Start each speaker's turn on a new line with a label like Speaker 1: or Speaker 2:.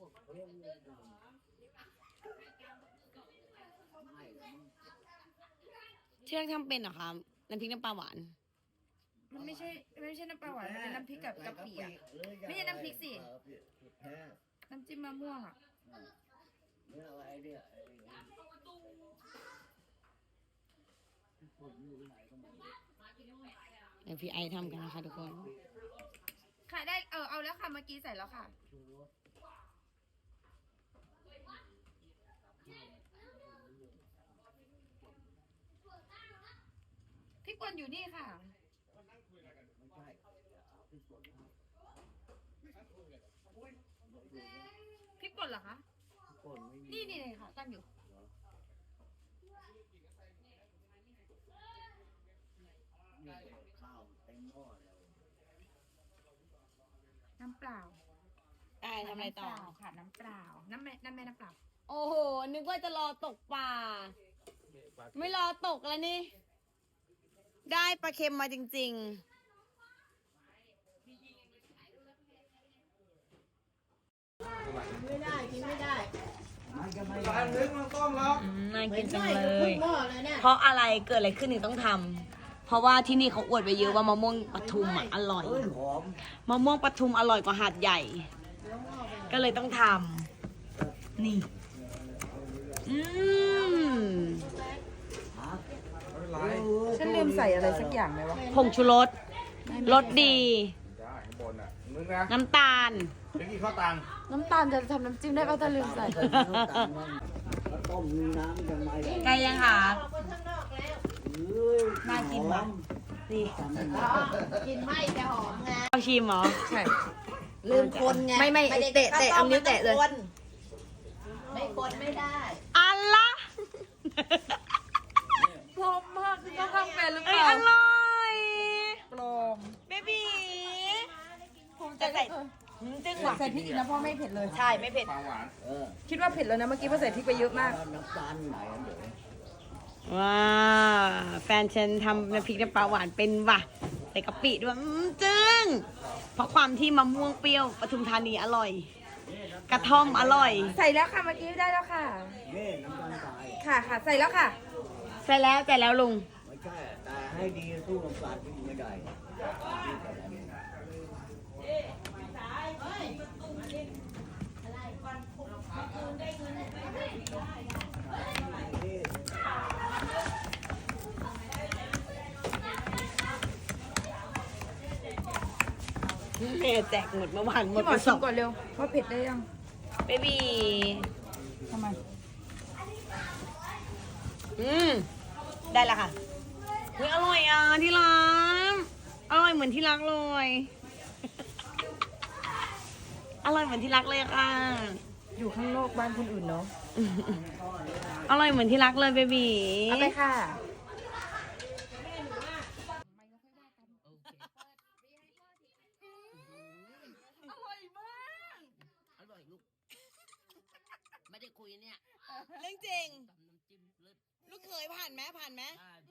Speaker 1: เชื่อทำเป็นเหรอคะน้ำพริกน้ำปลาหวาน
Speaker 2: มันไม่ใช่น้ำปลาหวานมันเป็นน้ำพริกกับกะปิอ่ะไม่ใช่น้ำพริกสิน้ำจิ้มมะม่วงอ่ะ
Speaker 1: เดี๋ยวพี่ไอทำกันนะคะทุกคน
Speaker 2: ขายได้เอาแล้วค่ะเมื่อกี้ใส่แล้วค่ะพริกป่นอยู่นี่ค่ะพริกป่นเหรอคะนี่เลยค่ะตั้งอยู่น้ำเปล่า
Speaker 1: ทำอะไรต่อ
Speaker 2: ค่ะน้ำเปล่าน้ำแม่น้ำเปล่า
Speaker 1: โอ้โหนึกว่าจะรอตกปลาไม่รอตกแล้วนี่ได้ปลาเค็มมาจริงๆ
Speaker 3: ไม่ได้กินไม่ได้
Speaker 4: ร้านนึกมันต้มแล้ว
Speaker 1: น่ากินจังเลยเพราะอะไรเกิดอะไรขึ้นถึงต้องทำเพราะว่าที่นี่เขาอวดไปเยอะว่ามะม่วงปทุมอ่ะอร่อยมะม่วงปทุมอร่อยกว่าหาดใหญ่ก็เลยต้องทำนี่
Speaker 2: ฉันลืมใส่อะไรสักอย่างไหมวะ
Speaker 1: ผงชูรสรสดี
Speaker 4: ได้ข้างบนอ่ะนึกนะ
Speaker 1: น้ำตาล
Speaker 4: เมื่อกี้ข้าวตัง
Speaker 2: น้ำตาลจะทำน้ำจิ้มได้ป่ะถ้าลืมใส่
Speaker 3: ต้มน้ำยังไง
Speaker 1: ไก่ยังคะน่ากินว่ะนี่
Speaker 3: กินไม่จะหอมไง
Speaker 1: เอาชิมเหรอ
Speaker 2: ใช่
Speaker 3: ลืมคนไง
Speaker 1: ไม่เตะเอานิ้วเตะเลย
Speaker 3: ไม่คนไม่ได้
Speaker 1: อัลละ
Speaker 2: พร้อมมากที่ต้องทำเป็นหรือเป
Speaker 1: เอ้ย
Speaker 2: ล่า
Speaker 1: อร่อย
Speaker 2: ปลอม
Speaker 1: เบบีจะใส่จึ้งว่ะ
Speaker 2: ใส่พริกอีกนะพ่อไม่เผ็ดเลย
Speaker 1: ใช่ไม่เผ็ด
Speaker 4: ปลาหวาน
Speaker 2: คิดว่าเผ็ดแล้วนะเมื่อกี้พ่อใส่พริกไปเยอะมาก
Speaker 3: น้ำตาลไหนเดี๋ยว
Speaker 1: ว้าแฟนฉันทำน้ำพริกน้ำปลาหวานเป็นว่ะใส่กะปิด้วยจึ้งเพราะความที่มะม่วงเปรี้ยวปทุมธานีอร่อย กระท่อมอร่อย
Speaker 2: ใส่แล้วค่ะเมื่อกี้ได้แล้วค่ะ
Speaker 3: นี่น้ำตาลทราย
Speaker 2: ค่ะใส่แล้วค่ะ
Speaker 1: ใส่แล้วลุง
Speaker 3: ไม่ใช่แต่ให้ดีสู้น้ำตาลไม่ได้
Speaker 1: แม่แจกหมดเมื่อวานหมด
Speaker 2: พี่หม
Speaker 1: ไป
Speaker 2: อ
Speaker 1: ส
Speaker 2: ชิ
Speaker 1: อ
Speaker 2: ม
Speaker 1: ง
Speaker 2: ก่อนเร็วว่าเผ็ดได้ยัง
Speaker 1: เบบี
Speaker 2: ทำไม
Speaker 1: ได้แล้วค่ะเฮ้ยอร่อยอ่ะที่รักอร่อยเหมือนที่รักเลย อร่อยเหมือนที่รักเลยค่ะ
Speaker 2: อยู่ข้างนอกบ้านคนอื่นเนาะ
Speaker 1: อร่อยเหมือนที่รักเลยเบบี
Speaker 2: เอาไปค่ะอร่อยมาก
Speaker 3: อร่อยลูกไม่ได้คุยเนี่ย
Speaker 1: เรื่องจริง
Speaker 3: ตำน้ำจิ้มเลิศ
Speaker 1: ลูกเคยผ่านไหม
Speaker 3: ได้